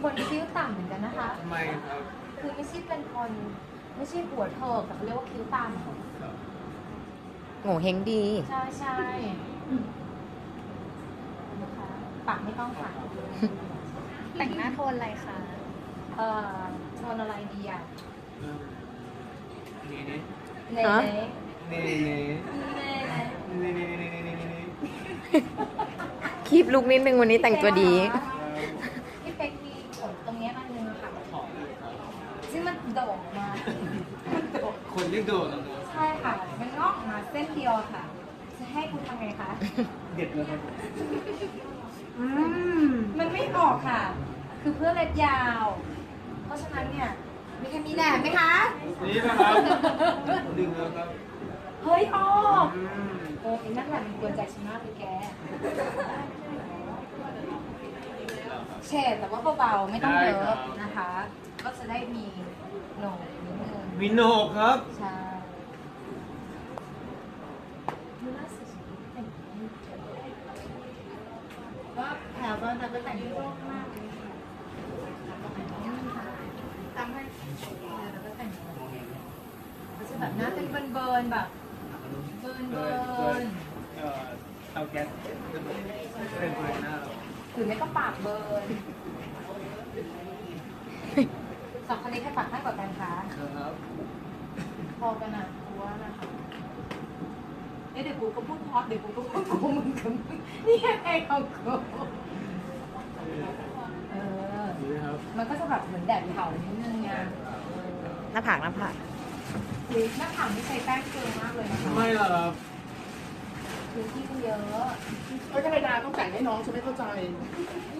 คนคิ้วต่ำเหมือนกันนะคะทำไมครับคือไม่ใช่เป็นคนไม่ใช่หัวเถิกแต่เขาเรียกว่าคิ้วต่ำโง่เฮงดีใช่ใช่นะคะปากไม่ต้องค่ะแต่งหน้าโทนอะไรคะโทนอะไรดีอ่ะนี่นี่เนฮะเน่นี่นี่เน่นี่นี่นี่นี่นี่นี่คีบลุกนิดนึงวันนี้แต่งตัวดีพี่เป๊กมีขนตรงเนี้ยมันนึงอะค่ะขอบเลยครับซึ่งมันโด่งมามันโด่งคนที่โดดใช่ค่ะ มันงอกออกมาเส้นเดียวค่ะ จะให้คุณทำไงคะเด็ดเลยครับมันไม่ออกค่ะ คือเพื่อเล็บยาว เพราะฉะนั้นเนี่ย มีใครมีแหนบไหมคะนี่นะครับดึงแล้วครับเฮ้ยออกอืมไอ้นั่นแหละมันกวนใจฉันมากเลยแกเฉดแต่ว่าเบาๆไม่ต้องเยอะนะคะ ก็จะได้มีโหนกนิดนึงมีโหนกครับใช่ดูน่าสดก็แถวบ้านเราก็แต่งตัวมากเลยค่ะทำให้เราก็แต่งตัวก็จะแบบหน้าเป็นเบิร์นๆแบบเบิร์นเตาแก๊สเป็นเบอร์หน้าเราหรือไม่ก็ปากเบิร์นสองคนนี้ใครปากให้กว่ากันคะครับพอกันอ่ะกูว่านะคะเดี๋ยวกูก็พูดฮอตเดี๋ยวกูก็พูดกูมึงกับมึงนี่ไงของกูเออนี่ครับมันก็จะแบบเหมือนแดดเผานิดนึงไงหน้าผากหน้าผากคือหน้าผากนี่ใช้แป้งเกลือมากเลยนะคะไม่หรอกครับคือที่มันเยอะไม่ธรรมดาต้องแต่งให้น้องฉันไม่เข้าใจ